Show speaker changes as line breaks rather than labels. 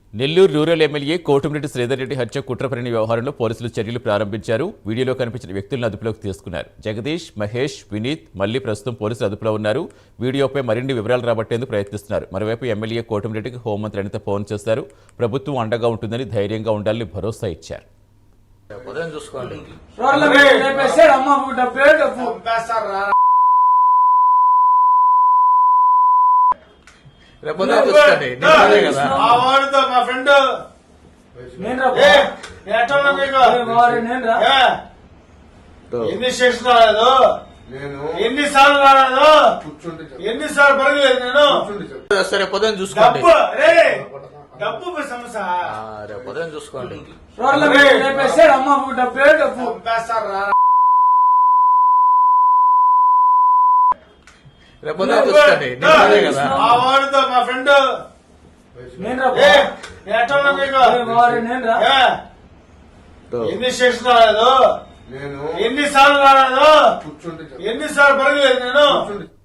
Nellore rural MLA Kotamreddy Sridhar Reddy హత్య కుట్రపరిణి వ్యవహారంలో పోలీసులు చర్యలు ప్రారంభించారు. వీడియోలో కనిపించిన వ్యక్తులను అదుపులోకి తీసుకున్నారు. జగదీష్, మహేష్, వినీత్ మళ్లీ ప్రస్తుతం పోలీసులు అదుపులో ఉన్నారు. వీడియోపై మరిన్ని వివరాలు రాబట్టేందుకు ప్రయత్నిస్తున్నారు. మరోవైపు ఎమ్మెల్యే కోటమిరెడ్డికి హోంమంత్రి అనిత ఫోన్ చేశారు. ప్రభుత్వం అండగా ఉంటుందని, ధైర్యంగా ఉండాలని భరోసా ఇచ్చారు.
మా ఫ్రెండ్ ఎన్ని స్టేషన్ రాలేదు, ఎన్నిసార్లు రాలేదు, ఎన్నిసార్లు పడలేదు. నేను
సరే పొద్దున చూసుకోండి,
డబ్బు సమస్య
పొద్దున చూసుకోండి. పొద్దున చూసుకోండి.
మా వాడితో మా ఫ్రెండ్ ఎన్ని స్టేషన్ రాలేదు, ఎన్నిసార్లు రాలేదు, ఎన్నిసార్లు పడలేదు. నేను